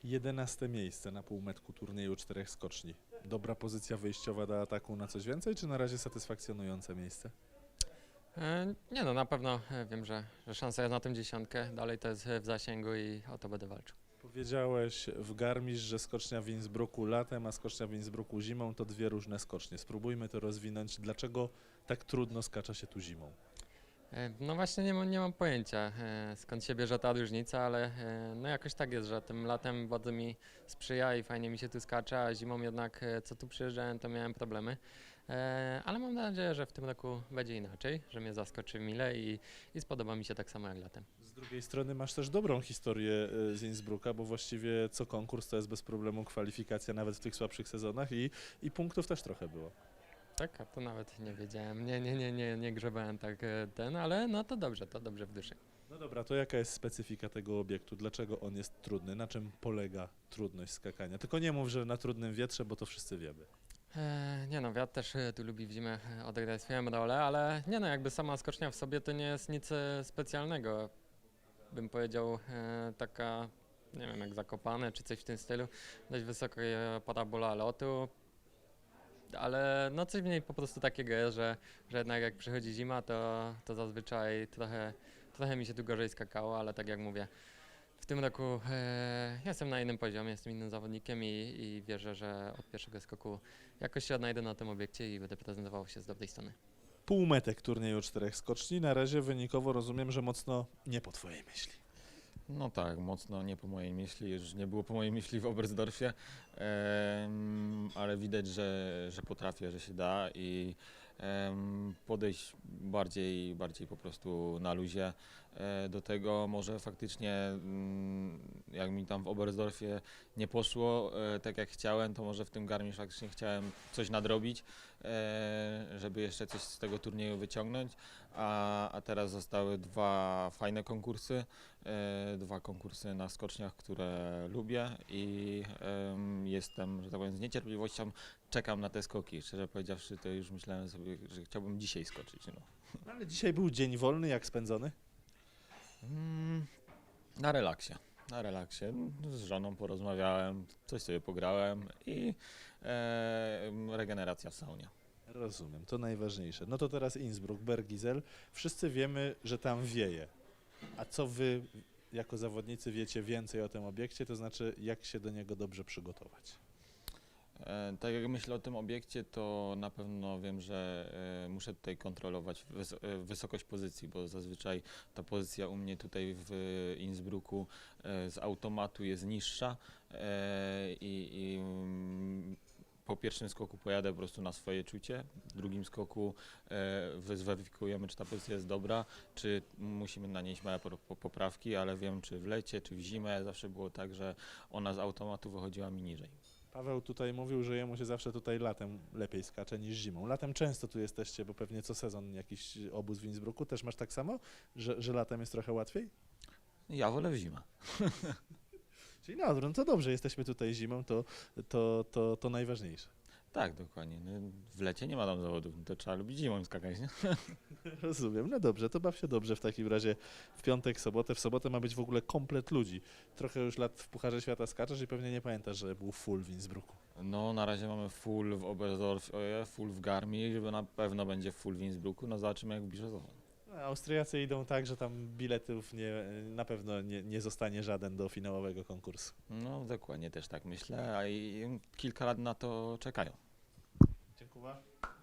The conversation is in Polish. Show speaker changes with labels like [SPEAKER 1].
[SPEAKER 1] 11 miejsce na półmetku turnieju 4 skoczni. Dobra pozycja wyjściowa do ataku na coś więcej, czy na razie satysfakcjonujące miejsce?
[SPEAKER 2] Nie no, na pewno wiem, że szansa jest na tym dziesiątkę. Dalej to jest w zasięgu i o to będę walczył.
[SPEAKER 1] Powiedziałeś w Garmisch, że skocznia w Innsbrucku latem, a skocznia w Innsbrucku zimą to dwie różne skocznie. Spróbujmy to rozwinąć. Dlaczego tak trudno skacza się tu zimą?
[SPEAKER 2] No właśnie nie mam pojęcia skąd się bierze ta różnica, ale no jakoś tak jest, że tym latem bardzo mi sprzyja i fajnie mi się tu skacze, a zimą jednak co tu przyjeżdżałem to miałem problemy. Ale mam nadzieję, że w tym roku będzie inaczej, że mnie zaskoczy mile i spodoba mi się tak samo jak latem.
[SPEAKER 1] Z drugiej strony masz też dobrą historię z Innsbrucka, bo właściwie co konkurs to jest bez problemu kwalifikacja nawet w tych słabszych sezonach i punktów też trochę było.
[SPEAKER 2] Tak, a to nawet nie wiedziałem, nie grzebałem tak ale no to dobrze w duszy.
[SPEAKER 1] No dobra, to jaka jest specyfika tego obiektu? Dlaczego on jest trudny? Na czym polega trudność skakania? Tylko nie mów, że na trudnym wietrze, bo to wszyscy wiemy.
[SPEAKER 2] Nie no, wiatr też tu lubi w zimę odegrać swoją rolę, ale nie no, jakby sama skocznia w sobie to nie jest nic specjalnego. Bym powiedział taka, nie wiem, jak Zakopane czy coś w tym stylu, dość wysoka parabola lotu, ale no coś w niej po prostu takiego jest, że jednak jak przychodzi zima, to zazwyczaj trochę mi się tu gorzej skakało, ale tak jak mówię, w tym roku jestem na innym poziomie, jestem innym zawodnikiem i wierzę, że od pierwszego skoku jakoś się odnajdę na tym obiekcie i będę prezentował się z dobrej strony.
[SPEAKER 1] Półmetek turnieju 4 skoczni. Na razie wynikowo rozumiem, że mocno nie po twojej myśli.
[SPEAKER 3] No tak, mocno nie po mojej myśli, już nie było po mojej myśli w Oberstdorfie, ale widać, że potrafię, że się da i podejść bardziej po prostu na luzie do tego. Może faktycznie jak mi tam w Oberstdorfie nie poszło tak jak chciałem, to może w tym Garmisch faktycznie chciałem coś nadrobić, żeby jeszcze coś z tego turnieju wyciągnąć, a teraz zostały dwa fajne konkursy, dwa konkursy na skoczniach, które lubię i jestem, że tak powiem, z niecierpliwością czekam na te skoki. Szczerze powiedziawszy, to już myślałem sobie, że chciałbym dzisiaj skoczyć. No.
[SPEAKER 1] No, ale dzisiaj był dzień wolny, jak spędzony?
[SPEAKER 3] Na relaksie. Na relaksie. Z żoną porozmawiałem, coś sobie pograłem i regeneracja w saunie.
[SPEAKER 1] Rozumiem, to najważniejsze. No to teraz Innsbruck, Bergisel. Wszyscy wiemy, że tam wieje. A co wy jako zawodnicy wiecie więcej o tym obiekcie, to znaczy jak się do niego dobrze przygotować?
[SPEAKER 3] Tak jak myślę o tym obiekcie, to na pewno wiem, że muszę tutaj kontrolować wysokość pozycji, bo zazwyczaj ta pozycja u mnie tutaj w Innsbrucku z automatu jest niższa i po pierwszym skoku pojadę po prostu na swoje czucie, w drugim skoku zweryfikujemy, czy ta pozycja jest dobra, czy musimy nanieść małe poprawki, ale wiem, czy w lecie, czy w zimę zawsze było tak, że ona z automatu wychodziła mi niżej.
[SPEAKER 1] Paweł tutaj mówił, że jemu się zawsze tutaj latem lepiej skacze niż zimą. Latem często tu jesteście, bo pewnie co sezon jakiś obóz w Innsbrucku. Też masz tak samo, że latem jest trochę łatwiej?
[SPEAKER 3] Ja wolę w zimę.
[SPEAKER 1] Czyli no to dobrze, jesteśmy tutaj zimą, to najważniejsze.
[SPEAKER 3] Tak, dokładnie. No, w lecie nie ma tam zawodów, to trzeba lubić zimą skakać, nie?
[SPEAKER 1] Rozumiem, no dobrze, to baw się dobrze w takim razie w piątek, sobotę. W sobotę ma być w ogóle komplet ludzi. Trochę już lat w Pucharze Świata skaczesz i pewnie nie pamiętasz, że był full w Innsbrucku.
[SPEAKER 3] No na razie mamy full w Oberstdorfie, full w Garmisch, żeby na pewno będzie full w Innsbrucku, no zobaczymy jak bliżej sezon.
[SPEAKER 1] No, Austriacy idą tak, że tam biletów na pewno nie zostanie żaden do finałowego konkursu.
[SPEAKER 3] No dokładnie też tak myślę, a i kilka lat na to czekają.
[SPEAKER 1] Dziękuję.